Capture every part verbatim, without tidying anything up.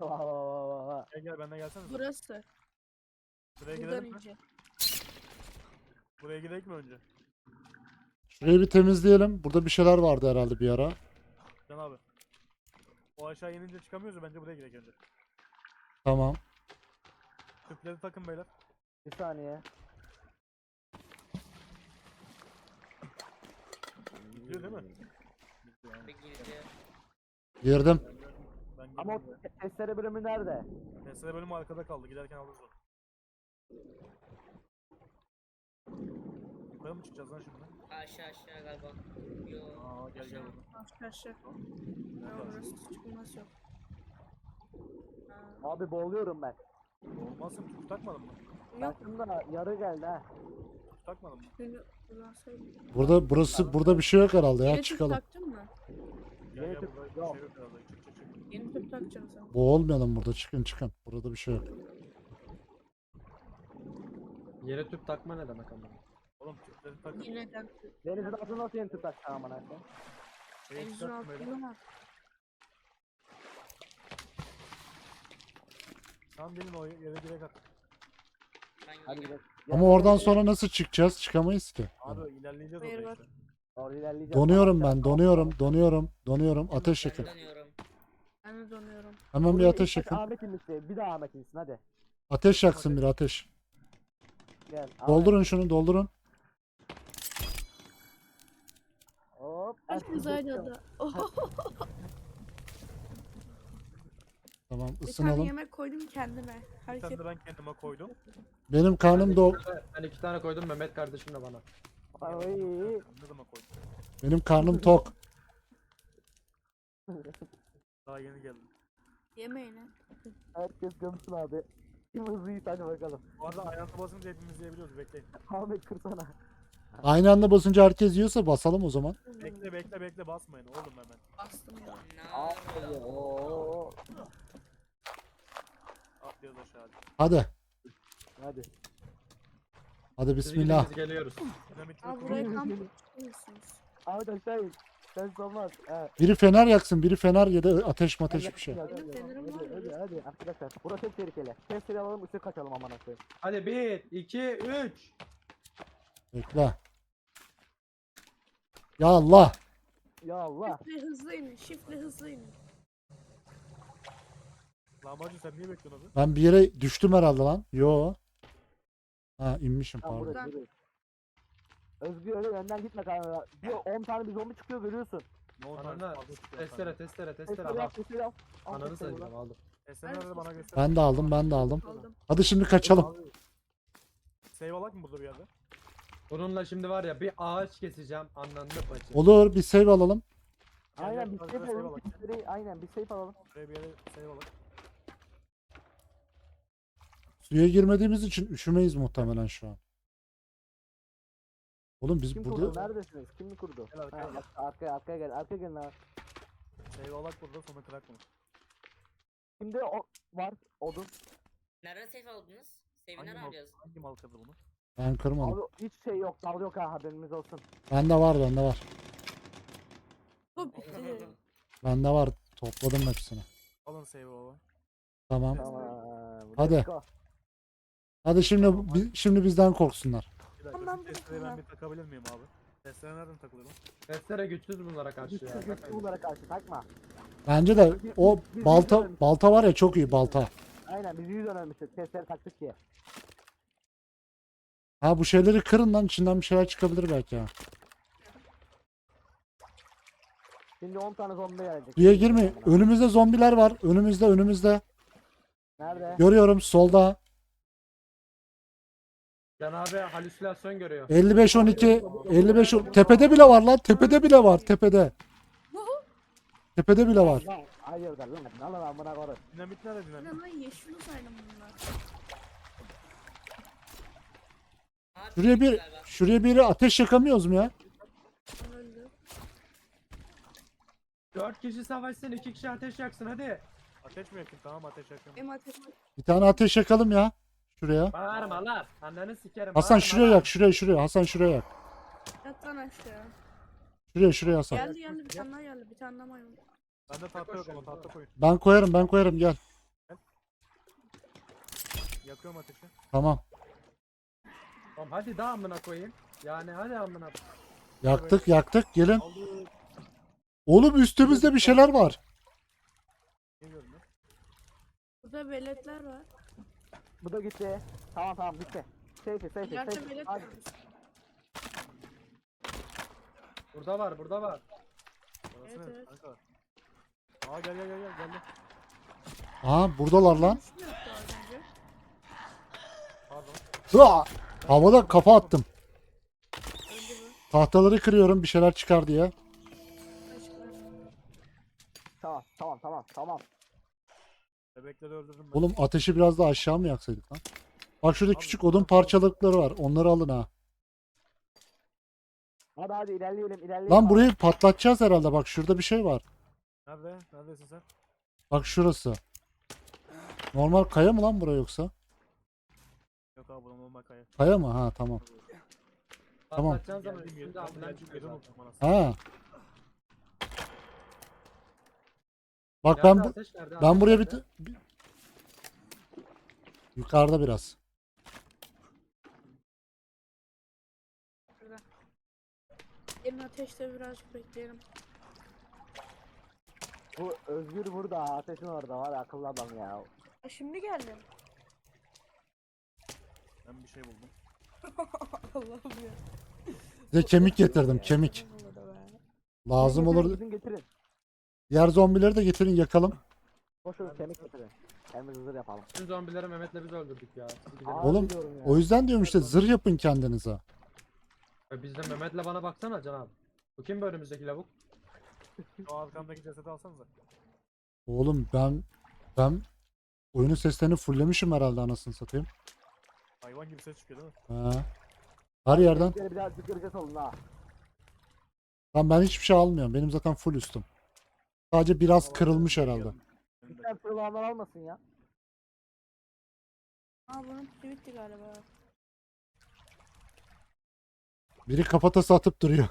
Vah vah vah vah vah. Gel gel benden gelsene. sen. Burası. Buraya Buradan gidelim mi? önce. Buraya gidelim mi önce? Şurayı bir temizleyelim. Burada bir şeyler vardı herhalde bir ara. Can abi. O aşağı inince çıkamıyoruz ya, bence buraya gidelim önce. Tamam. Tüpleri takın beyler. Bir saniye. Gidiyor değil mi? Gidiyor yani. Bir girdi. Girdim. Ben gördüm. Ben Ama o girdim. te- testere bölümü nerede? Mesele bölümü arkada kaldı. Giderken alırız onu. Yukarı mı çıkacağız lan şimdi? Aşağı aşağı galiba. Yo. Aa gel gel buradan. Aşağı aşağı. Ya Nerede? burası çıkılmaz yok. Ha, Abi boğuluyorum ben. Olmazsa tüp takmadın mı? Yok. Aslında yarı geldi ha. Tüp takmadın mı? Beni kullansaydım. Burada burası burada bir şey yok herhalde ya. Yeni tüp Çıkalım. taktın mı? Gel Yeni gel tüp burada bir yok. şey yok herhalde. Çık çık çık. Yeni tüp takacaksın sen. Boğulmayalım burada. Çıkın çıkın. Burada bir şey yok. Yere tüp takma ne demek ama? Oğlum tüpleri takın. Yineden tüp. Denizin altında nasıl yeni tutak aman akım? Şeyi Denizin çıkarttım beyler. altında var. Tam benim o yere direkt at. Ben Hadi gidiyorum. gidelim. Ama oradan sonra nasıl çıkacağız? Çıkamayız ki. Abi ilerleyeceğiz Hayır, orada var. işte. Doğru ilerleyeceğiz. Donuyorum ben. Donuyorum. Donuyorum. Donuyorum. Ateş Ben yakın. dönüyorum. Ben de donuyorum. Hemen bir Buraya ateş ilk başta yakın. Ahmet inmişti. Bir daha Ahmet insin hadi. Ateş yaksın bir ateş. Gel. Ahmet. Doldurun şunu. Doldurun. Hop. Herkes aynı anda. Oho. Tamam Bir tane ısınalım. yemek koydum kendime. Bir Herkes tane de ben kendime koydum. Benim karnım do Ben iki tane koydum Mehmet kardeşim de bana. Ay. Ne zaman koydum? benim karnım tok. Daha yeni geldim. yemeğine. Herkes gömsün abi. Kim hızlı yiğit hadi bakalım. Bu arada ayağına basınca hepimiz yiyebiliyoruz. Bekleyin. Ahmet kırsana. Aynı anda basınca herkes yiyorsa basalım o zaman. Bekle bekle bekle basmayın oğlum hemen. Bastım ya. Ne Aferin. yapıyor? Oo. Atlıyoruz aşağı hadi. Hadi. Hadi. Hadi Biz bismillah. gidip biz geliyoruz. Dinamitli Aa buraya kamp yapmışsınız. Ahmet aşağı in. Sen olmaz. Evet. Biri fener yaksın. Biri fener ya da ateş mateş bir şey. Hadi Benim fenerim var hadi, ya. hadi, hadi arkadaşlar. Burası çok tehlikeli. Testleri alalım ışık kaçalım aman akıyım. Hadi bir, iki, üç. Bekle. Ya Allah. Ya Allah. Şifle hızlı inin. Şifle hızlı inin. Lahmacun sen niye bekliyorsun abi? Ben bir yere düştüm herhalde lan. Yo. Ha inmişim Tamam pardon. burası burası. Özgür öyle önden gitme kanka. Diyor on tane bir zombi çıkıyor görüyorsun. Ne oldu? Ananı testere testere testere Testleri al. yap testleri al. Al Ananı testleri sayacağım buradan. aldım. Esenler de bana göster. Ben de aldım ben de aldım. Aldım. Hadi şimdi kaçalım. Abi, Save alak mı burada bir yerde? Bununla şimdi var ya bir ağaç keseceğim anlandı bacı. Olur bir save alalım. Gel, Aynen gel, bir biraz safe daha save alalım. alak. Testleri aynen bir safe alalım. Şuraya bir yere save alak. Suya girmediğimiz için üşümeyiz muhtemelen şu an. Oğlum biz Kim burada kurdu? Neredesiniz? Kim mi kurdu? Gel arkaya Ha, gel. ar- arkaya arkaya gel. Arkaya gelin abi. Save alak burada sonra kırak bunu. Şimdi o var odun. Nereden safe aldınız? Save'i Hangi nereden mal, alacağız? hangi mal kırdı bunu? ben kırmadım. Abi hiç şey yok. Dal yok ha haberiniz olsun. Bende var bende var. Bu bitti. Bende var. Topladım hepsini. Alın save baba. Tamam. Tamam. Hadi. let's go. Hadi şimdi bi- şimdi bizden korksunlar. Bir dakika Tamam, şu testereyi ben tamam. bir takabilir miyim abi? Testere nereden takılıyor lan? Testere güçsüz bunlara karşı ya. Güçsüz güçlü bunlara karşı takma. Bence de o Biz- balta biz- balta var ya çok iyi balta. Aynen biz yüz önermiştik. Testleri taktık diye. Ha bu şeyleri kırın lan içinden bir şeyler çıkabilir belki ha. Şimdi on tane zombi gelecek. Suya girme. Önümüzde zombiler var. Önümüzde önümüzde. Nerede? Görüyorum solda. Can abi halüsinasyon görüyor. elli beş on iki elli beş on- tepede bile var lan. Tepede bile var. Tepede. Tepede bile var. Lan hayırdır lan. Lan lan amına koyayım. Dinamit nerede dinamit? Ne lan yeşil uzaylı mı bunlar? Abi, Şuraya bir galiba. şuraya biri ateş yakamıyoruz mu ya? Ben öldüm. Dört kişi savaşsın iki kişi ateş yaksın hadi. Ateş mi yakın? Tamam ateş yakın. Benim ateşim. Bir tane ateş yakalım ya. Şuraya. Bağırma lan. Anneni sikerim. Hasan bağırma şuraya lan. yak. Şuraya şuraya. Hasan şuraya yak. Yat lan aşağı. Şuraya şuraya Hasan. Geldi geldi bir tane daha geldi. Bir tane daha maymun. Bende tahta yok ama tahta koyun. Ben koyarım ben koyarım gel. yakıyorum ateşi. Tamam. Tamam hadi daha amına koyayım. Yani hadi amına. Yaktık yaktık gelin. Aldık. Oğlum üstümüzde bir şeyler var. Geliyorum ya. Burada veletler var. Bu da gitti. Tamam tamam gitti. Safety safety İleride safety. velet Hadi. var. Burada var burada var. Orası Evet, ne? evet. Kanka. Aa gel gel gel gel geldi. Aha buradalar lan. Üstü yoktu az önce. Pardon. Hıa! Havada kafa attım. Öldü bu. Tahtaları kırıyorum bir şeyler çıkar diye. Başka. Tamam tamam tamam tamam. Bebekleri öldürdüm ben. Oğlum ateşi biraz daha aşağı mı yaksaydık lan? Bak şurada küçük odun parçalıkları var. Onları alın ha. Hadi hadi ilerleyelim ilerleyelim. Lan burayı patlatacağız herhalde. Bak şurada bir şey var. Nerede? Neredesin sen? Bak şurası. Normal kaya mı lan bura yoksa? Yok abi buranın olma kaya. Kaya mı? Ha tamam. Tamam. Patlatacağın zaman Geldim üstünde geldim. ambulans Geldim çıkıyor geldim zaten. unuttum anasını. Ha. Bak Nerede ben bu ateş, nerede ben ateş, buraya bir, nerede? bir- yukarıda biraz. Gelin ateşte birazcık bekleyelim. Bu Özgür burada ateşin orada var ya, akıllı adam ya. Aa, şimdi geldim. Ben bir şey buldum. Allah'ım ya. Size kemik getirdim kemik. Lazım Getirin, olur. getirin, getirin. Diğer zombileri de getirin yakalım. Boşver kemik getirin. Hem hızır yapalım. Bütün zombileri Mehmet'le biz öldürdük ya. Hadi gidelim. Abi Oğlum, diyorum ya. O yüzden diyorum işte zırh yapın kendinize. E Biz de Mehmet'le bana baksana Can abi. Bu kim bu önümüzdeki lavuk? O arkamdaki cesedi alsanıza. Oğlum ben ben oyunun seslerini fulllemişim herhalde anasını satayım. Hayvan gibi ses çıkıyor değil mi? Ha. Her yerden. Bizleri birazcık göreceğiz olun ha. Lan ben hiçbir şey almıyorum. Benim zaten full üstüm. Sadece biraz kırılmış herhalde. Lütfen fırlanlar olmasın ya. Aa bunun pili bitti galiba. Biri kafatası atıp duruyor.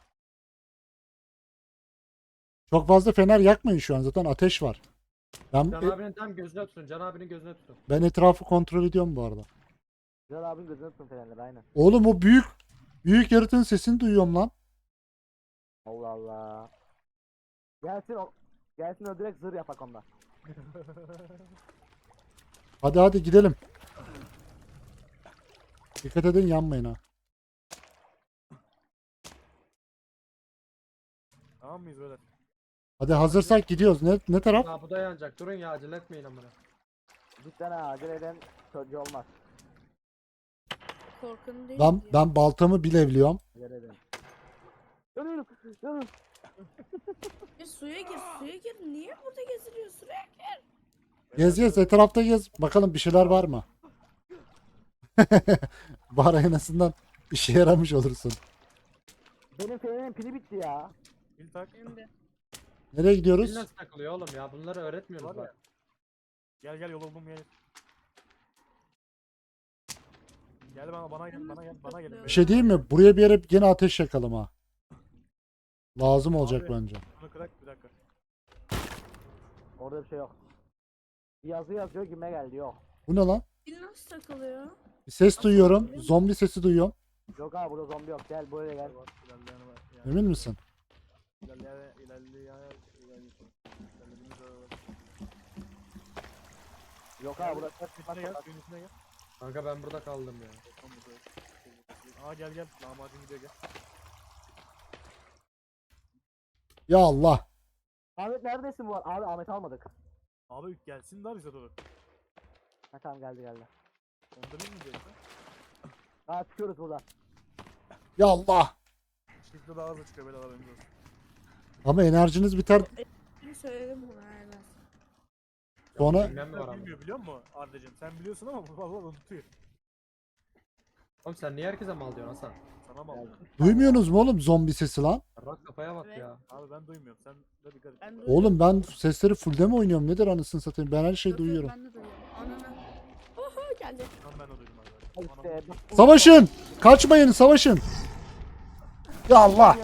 Çok fazla fener yakmayın şu an zaten ateş var. Ben Can abinin tam gözüne tutun. Can abinin gözüne tutun. ben etrafı kontrol ediyorum bu arada. Güzel abin gözünü tutun fenerleri aynen. Oğlum o büyük büyük yaratığın sesini duyuyorum lan. Allah Allah. Gelsin o. Gelsin o direkt zırh yapak onda. Hadi hadi gidelim. Dikkat edin yanmayın ha. Tamam mıyız böyle? Hadi hazırsak gidiyoruz. Ne ne taraf? Aa bu da yanacak. Durun ya acele etmeyin amına. Cidden ha acele eden çocuğu olmaz. Korkun değil Ben mi diyor. ben baltamı bilevliyorum. Acele eden. Yanıyorum. Yanıyorum. E, suya gir suya gir. Niye burada geziliyor suya? Gez gez etrafta gez. Bakalım bir şeyler var mı? Bari en azından işe yaramış olursun. Benim fenerin pili bitti ya. Bil tak. Benim de. Nereye Pil gidiyoruz? nasıl takılıyor oğlum ya? Bunları öğretmiyoruz Var ya. bak. Gel gel yol buldum gel. Gel bana bana gel bana gel bana gelin. Bir şey diyeyim mi? Buraya bir yere gene ateş yakalım ha. Lazım olacak Abi. bence. Bunu kırak bir dakika. Orada bir şey yok. Bir yazı yazıyor gime geldi yok. Bu ne lan? Pil nasıl takılıyor? Bir ses duyuyorum. Zombi sesi duyuyorum. Yok abi burada zombi yok gel buraya gel. Var, ilerleyen var. Yani Emin misin? ilerleyen ilerleyen ilerleyen. İlerlediğimiz yol var. Yok abi burada ses Suyun içine gel, çıkmaz. suyun içine gel. Kanka ben burada kaldım ya. Tamam, burada. Aa gel gel. Lahmacun gidiyor gel. Ya Allah. Ahmet neredesin bu ar- Abi Ahmet almadık. Abi gelsin daha bize doğru. Ha tamam geldi geldi. Onda bir mi diyeceğiz? Ha çıkıyoruz buradan. Ya Allah. Shift'le daha hızlı çıkıyor böyle haberiniz olsun. Ama enerjiniz biter. Şimdi söyledim buna aynen. Sonra Bilmem mi var ama. Bilmiyor biliyor musun Arda'cığım? Sen biliyorsun ama bu valla unutuyor. Oğlum sen niye herkese mal diyorsun Hasan? Sana mı aldım? duymuyorsunuz mu oğlum zombi sesi lan? Rak kafaya bak Evet. ya. Abi ben duymuyorum. Sen de dikkat et. Ben de Oğlum ben sesleri fullde mi oynuyorum? Nedir anasını satayım? Ben her şeyi Yok, yok, duyuyorum. Ben de duyuyorum. Anana. Oho geldi. Tam ben de duydum abi. Ha Anam. işte. bak bu- Savaşın! Kaçmayın savaşın! Ya Allah!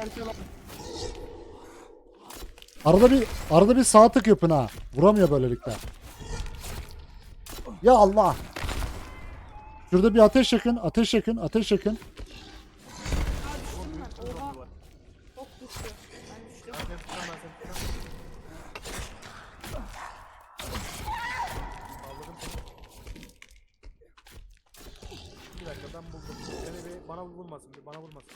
Arada bir arada bir sağ tık yapın ha. Vuramıyor böylelikle. Ya Allah! Şurada bir ateş yakın, ateş yakın, ateş yakın. Aa düştüm ben. Oha. Var. Çok düştü. Ben düştüm. Ben seni tutacağım ben seni tutacağım. Saldırdım seni. Bir dakika ben buldum. Seni bir bana vurmasın, bir bana vurmasın.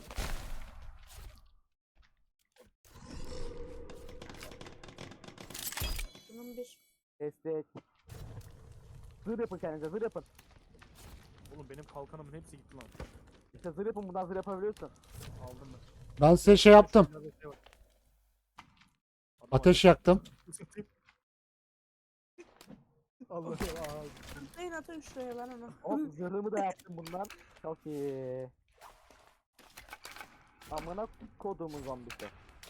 Bunun bir. Destek. Zırh yapın kendinize, zırh yapın. Oğlum benim kalkanımın hepsi gitti lan. İşte zırh yapın, bundan zırh yapabiliyorsun. Aldım ben. Ben size şey yaptım. Biraz da şey var. Adam Ateş var. yaktım. Allah Allah. Atlayın atın şuraya ben onu. Hop zırhımı da yaptım bundan. Çok iyi. Amına kodumun zombisi.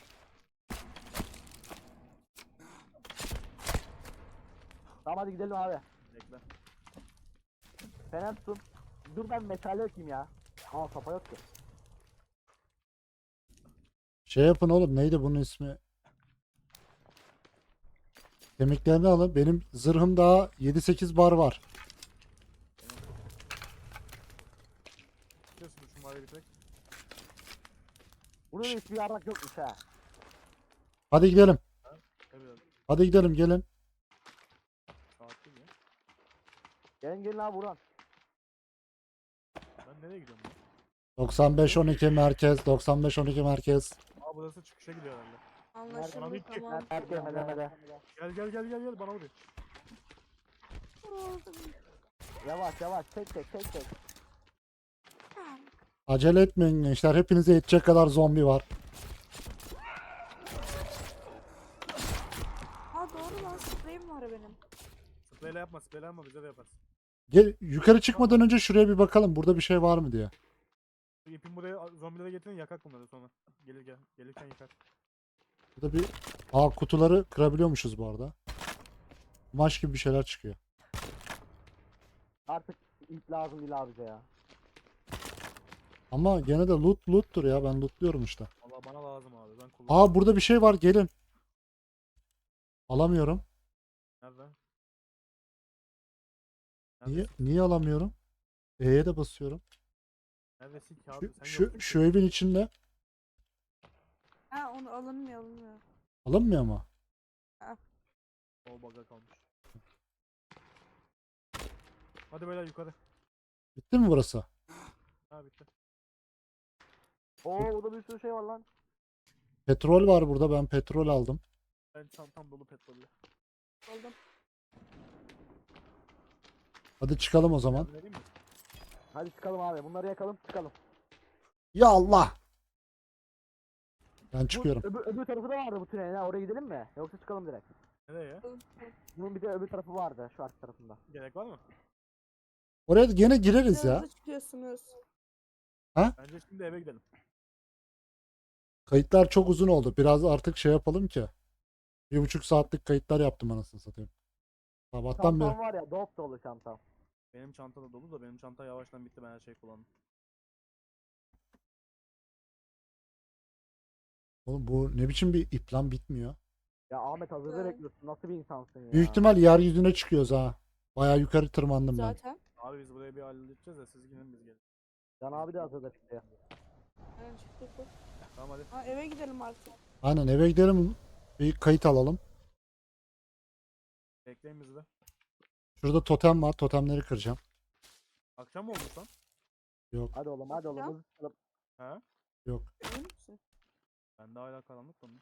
Tamam hadi gidelim abi. Bekle. Fener tutun. Dur ben metal yakayım ya. Aa kafa yok ki. Şey yapın oğlum, neydi bunun ismi? Kemiklerini alın. Benim zırhım daha yedi sekiz bar var. Biliyorsun şu mavi bir tek. Burada da hiçbir yarrak yokmuş ha. Hadi gidelim. Evet. Hadi gidelim, gelin. Saat değil ya. Gelin gelin abi Burhan. Ben nereye gidiyorum ya? doksan beş on iki merkez, doksan beş on iki merkez. Aa burası çıkışa gidiyor herhalde. Bana Anlaşıldı bitti. tamam. Erkeğe melemede. Gel gel gel gel gel bana vuruyor. Yavaş yavaş tek tek tek tek. Acele etmeyin gençler. Hepinize yetecek kadar zombi var. Ha doğru lan spreyim var benim. Spreyle yapma spreyle yapma bize de yaparsın. Gel, yukarı çıkmadan önce şuraya bir bakalım. Burada bir şey var mı diye. Şu ipin buraya zombilere getirin yakak bunları sonra. Gelir gel. Gelirken yakar. Burada bir... Aa, kutuları kırabiliyormuşuz bu arada. Maç gibi bir şeyler çıkıyor. Artık ip lazım değil abi bize ya. Ama gene de loot loot'tur ya. Ben lootluyorum işte. Valla bana lazım abi ben kullanıyorum. Aa, burada bir şey var. Gelin. Alamıyorum. Nerede? Niye Neredesin? niye alamıyorum? E'ye de basıyorum. Neredesin ki abi? Şu Sen şu, yoktun şu ki. evin içinde. Ha onu alınmıyor alınmıyor. Alınmıyor mu? O baga kalmış. Hadi beyler yukarı. Bitti mi burası? Ha bitti. Oo burada bir sürü şey var lan. Petrol var burada. Ben petrol aldım. Ben çantam dolu petrolle. Aldım. Hadi çıkalım o zaman. Yardım vereyim mi? Hadi çıkalım abi. Bunları yakalım çıkalım. Ya Allah! Ben Bu, çıkıyorum. öbür, öbür tarafı da vardı bu tünelin ha. Oraya gidelim mi? Yoksa çıkalım direkt. Nereye ya? Bunun bir de öbür tarafı vardı şu arka tarafında. Gerek var mı? Oraya gene gireriz ya. Hızlı çıkıyorsunuz. Bence şimdi eve gidelim. Kayıtlar çok uzun oldu. Biraz artık şey yapalım ki. Bir buçuk saatlik kayıtlar yaptım anasını satayım. Sabahtan beri. Çantam var ya dop dolu çantam. Benim çanta da dolu da benim çanta yavaştan bitti ben her şeyi kullandım. Oğlum bu ne biçim bir ip lan, bitmiyor. Ya Ahmet hazırda Evet. bekliyorsun. Nasıl bir insansın ya? Büyük ihtimal yeryüzüne çıkıyoruz ha. Bayağı yukarı tırmandım ben. Zaten. Abi biz buraya bir halledeceğiz de siz gidin biz gelin. Can abi de hazırda çıktı. Ben çıktık bu. Tamam hadi. Ha eve gidelim artık. Aynen, eve gidelim. Bir kayıt alalım. Bekleyin bizi de. Şurada totem var. Totemleri kıracağım. Akşam mı olmuş lan? Hadi oğlum hadi oğlum. Ya. hızlı çıkalım. He? Emin misin? Ben de hala karanlık mı?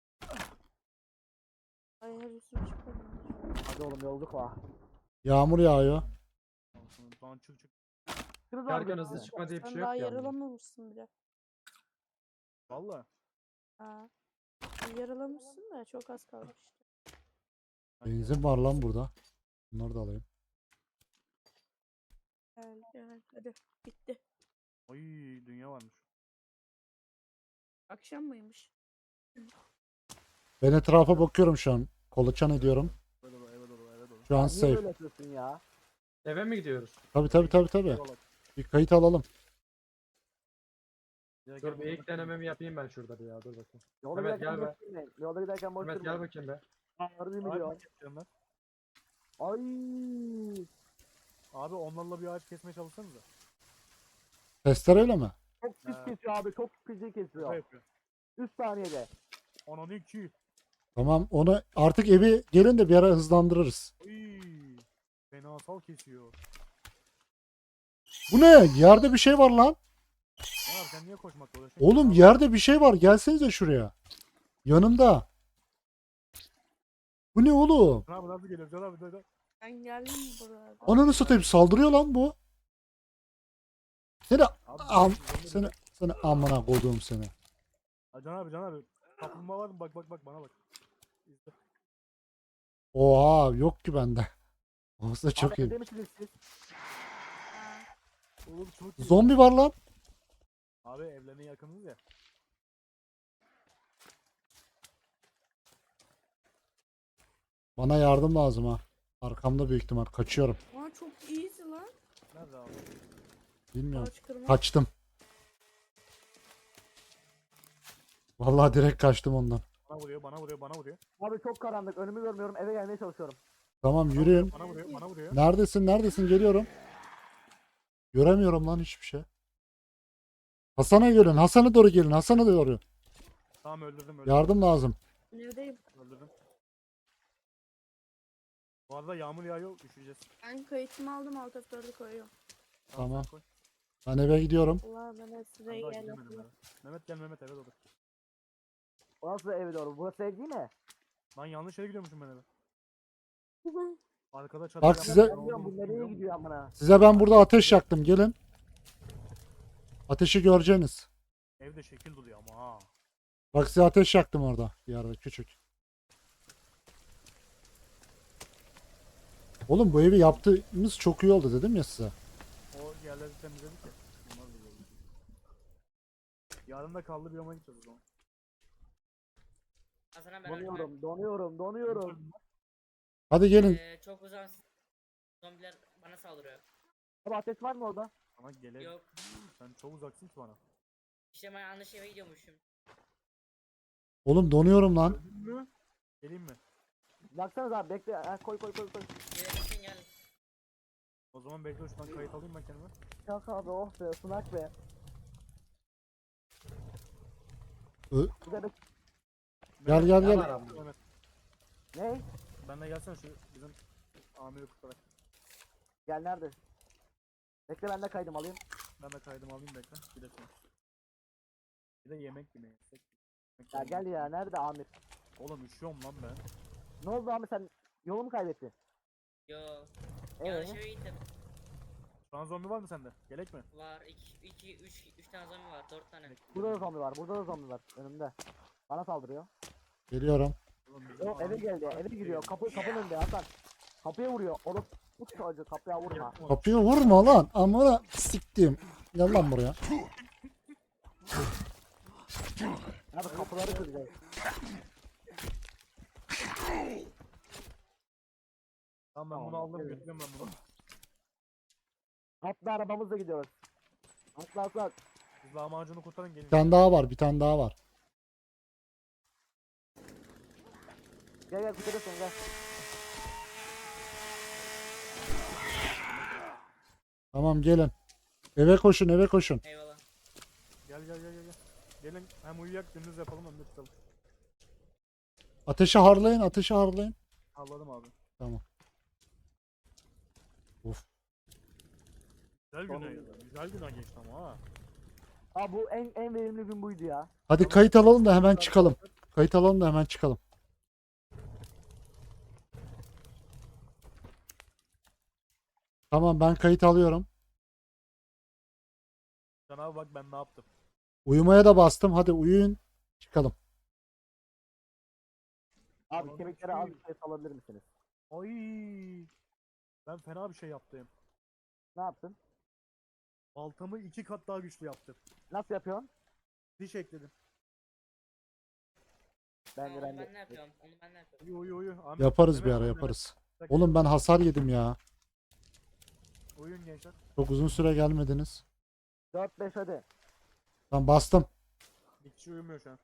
Ay her üstüne çıkıyorum. Hadi oğlum yolculuk var. Yağmur yağıyor. Tamam çık çık. Çıkırız abi. Yargın hızlı çıkma diye bir Sen şey daha yok yani. yaralamamışsın bile. Valla. Ha. Yaralamışsın da çok az kalmış işte. Benzin var lan burada. Bunları da alayım. Gel gel hadi. Bitti. Oy dünya varmış. Akşam mıymış? Ben etrafa bakıyorum şu an. Kolaçan ediyorum. Eve dolu eve dolu eve dolu. Şu an Niye safe. böyle yapıyorsun ya? Eve mi gidiyoruz? Tabi tabi tabi tabi. Eyvallah. Bir kayıt alalım. Gel, Dur gel, bir gel. ilk denememi yapayım ben şurada bir ya, dur bakayım. Yolda Mehmet, giderken gel boş durmayın. Yolda giderken boş Mehmet gel durmayın. bakayım be. Harbi Abi, milyon. yapacağım ben. Ay. Abi onlarla bir ağaç kesmeye çalışsanıza. Testereyle mi? Çok pis Ha. kesiyor abi. Çok pis Şaka kesiyor. yapıyor. üç saniyede. Ananı iki. Tamam onu artık evi gelin de bir ara hızlandırırız. Uy. Fenasal kesiyor. Bu ne? Yerde bir şey var lan. Ne var sen niye koşmakla uğraşıyorsun? Oğlum Abi, yerde bir şey var. Gelsenize şuraya. Yanımda. Bu ne oğlum? Can abi nasıl geliyor? Can abi dur dur. Ben geldim burada. Ananı satayım saldırıyor lan bu. Seni Abi, am zombi- seni seni amına koduğum seni. Ha, Can abi Can abi. Kaplumbağa var mı? Bak bak bak bana bak. İzle. Oha yok ki bende. Olsa çok Abi iyi. evde misiniz siz? Oğlum çok iyi. Zombi var lan. Abi evlerine yakınız ya. Bana yardım lazım ha. Arkamda büyük ihtimal. Kaçıyorum. Aa çok iyiydi lan. Nerede abi? Bilmiyorum. Ağaç kırma. Kaçtım. Vallahi direkt kaçtım ondan. Bana vuruyor, bana vuruyor, bana vuruyor. Abi çok karanlık. Önümü görmüyorum. Eve gelmeye çalışıyorum. Tamam yürüyün. Bana vuruyor, bana vuruyor. Neredesin? Neredesin? Geliyorum. Göremiyorum lan hiçbir şey. Hasan'a gelin. Hasan'a doğru gelin. Hasan'a doğru. Tamam öldürdüm, öldürdüm. Yardım lazım. Neredeyim? Öldürdüm. Bu arada yağmur yağıyor, üşüyeceğiz. Ben kayıtımı aldım alt F dördü koyuyorum. Tamam. sen koy. Ben eve gidiyorum. Allah ben de size Ben daha gel. gidemedim eve. Mehmet gel Mehmet eve doğru. O nasıl eve doğru? Burası ev değil mi? Lan yanlış yere gidiyormuşum ben eve. Arkada çadır Bak yapmış, size- ne Ben diyorum bu olduğunu nereye bilmiyorum. gidiyor amına? Size ben burada ateş yaktım. Gelin. Ateşi göreceksiniz. Evde şekil duruyor ama ha. Bak size ateş yaktım orada. Bir yerde küçük. Oğlum bu evi yaptığımız çok iyi oldu dedim ya size. O yerleri temizledik ya. Bunlar da böyle. Yarın da kaldı bir yoma gideceğiz o zaman. Hasan'a ben Donuyorum, donuyorum, donuyorum. Hadi gelin. Ee, çok uzak zombiler bana saldırıyor. Abi ateş var mı orada? Sana gele. Yok. Sen çok uzaksın ki bana. İşte ben yanlış eve gidiyormuşum. Oğlum donuyorum lan. Öldün mü? Geleyim mi? Yaksanız abi bekle. Ha, koy koy koy koy. Gelirsin gel. O zaman bekle şuradan kayıt alayım ben kendime. Kalk abi oh be ısınak be. Ö- Bir de bek- Gel gel Ne gel. var abi? Mehmet, Ne? ben de gelsene şu bizim amiri kurtarak. Gel nerede? Bekle ben de kaydım alayım. Ben de kaydımı alayım bekle. Bir de sonra. Bir de yemek yemeyi yesek. Yemek Ya yemeyi- gel ya nerede Amir? Oğlum üşüyorum lan ben. Ne oldu Amir sen yolu mu kaybettin? Yo. Ee? Yanlış eve gittim. Şu an zombi var mı sende? Gerek mi? Var iki, iki, üç, üç tane zombi var, dört tane. Burada da zombi var. Burada da zombi var önümde. Bana saldırıyor. Geliyorum. Oğlum bizim O eve amiri- geldi. Eve giriyor. Kapı kapının önünde Hasan. Kapıya vuruyor. Oğlum bu çocuğu kapıya vurma. Kapıyı vurma lan. Amına siktim. Gel lan buraya. Abi kapıları kıracağız. Tamam ben bunu Tamam, aldım evet. götürüyorum ben bunu. Atla arabamızla gidiyoruz. Atla atla. Siz lahmacunu kurtarın gelin. Bir tane daha var. Bir tane daha var. Gel gel kurtarırsın gel. Tamam gelin. Eve koşun eve koşun. Eyvallah. Gel gel gel gel. gel. Gelin hem uyuyak gündüz yapalım hem de çıkalım. Ateşi harlayın ateşi harlayın. Halladım abi. Tamam. Of. Güzel Tamam. günah ya. Güzel günah geçti ama ha. Aa bu en en verimli gün buydu ya. Hadi kayıt alalım da hemen çıkalım. Kayıt alalım da hemen çıkalım. Tamam ben kayıt alıyorum. Can abi bak ben ne yaptım. Uyumaya da bastım. Hadi uyuyun. Çıkalım. Abi Tamam, kemiklere az şey- bir şey salabilir misiniz? Ay. Ben fena bir şey yaptım. Ne yaptın? Baltamı iki kat daha güçlü yaptım. Nasıl yapıyorsun? Diş ekledim. Ben Tamam, de onu ben ben ne de. yapıyorum? Onu ben ne yapıyorum? Uyu uyu uyu. Ahmet, Yaparız bir Mehmet, ara Mehmet. yaparız. Dakika. Oğlum ben hasar yedim ya. Uyuyun gençler. Çok uzun süre gelmediniz. dört beş hadi. Ben bastım. Bir kişi uyumuyor şu an.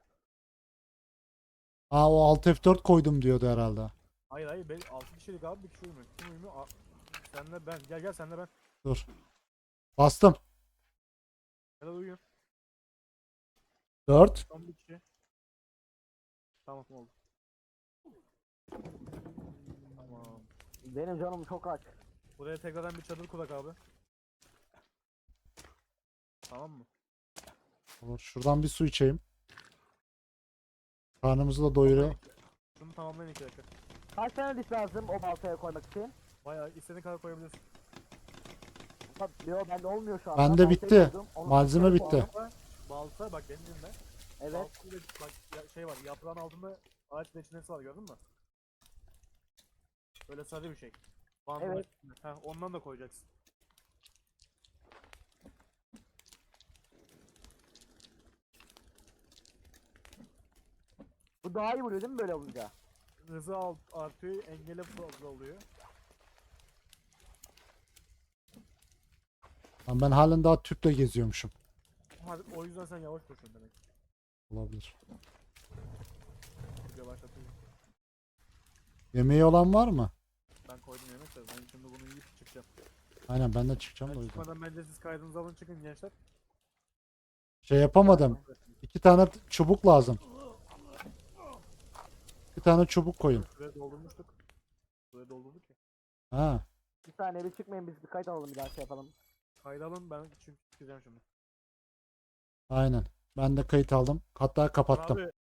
Aa o alt F dört koydum diyordu herhalde. Hayır hayır. Ben altı kişilik abi bir kişi uyumuyor. Kim uyumuyor? Aa, Senle ben. Gel gel senle ben. Dur. Bastım. Gel uyuyun. dört. Son bir kişi. Tamam oldu. Tamam. Benim canım çok aç. Buraya tekrardan bir çadır kurak abi. Tamam mı? Olur. Şuradan bir su içeyim. Karnımızı da doyuruyor. Şunu tamamlayın iki dakika. Kaç tane diş lazım o baltaya koymak için? Bayağı istediğin kadar koyabilirsin. Bak diyor bende olmuyor şu an. Bende Ben baltayı bitti. koydum, onu Malzeme baltaya bitti. koydum. Balta, balta bak benim elimde. Evet. Baltayla bak ya, şey var yaprağın altında ağaç reçinesi var gördün mü? Böyle sarı bir şey. Bandın Evet. üstünde. Heh, ondan da koyacaksın. Bu daha iyi vuruyor değil mi böyle olunca? Hızı alt, artıyor, engeli fazla oluyor. Lan ben halen daha tüple geziyormuşum. Ha, o yüzden sen yavaş koşuyorsun demek. Olabilir. Video başlatayım. Yemeği olan var mı? Ben koydum yemek de ben şimdi bunu yiyip çıkacağım. Aynen ben de çıkacağım da o Ben yüzden. çıkmadan bence siz kaydınızı alın çıkın gençler. Şey yapamadım. İki tane çubuk lazım. Bir tane çubuk koyun. Süre doldurmuştuk. Süre doldurduk ya. Ha. Bir saniye bir çıkmayın biz bir kayıt alalım bir daha şey yapalım. Kaydı alın ben çünkü çıkacağım şimdi. Aynen. Ben de kayıt aldım. Hatta kapattım. Abi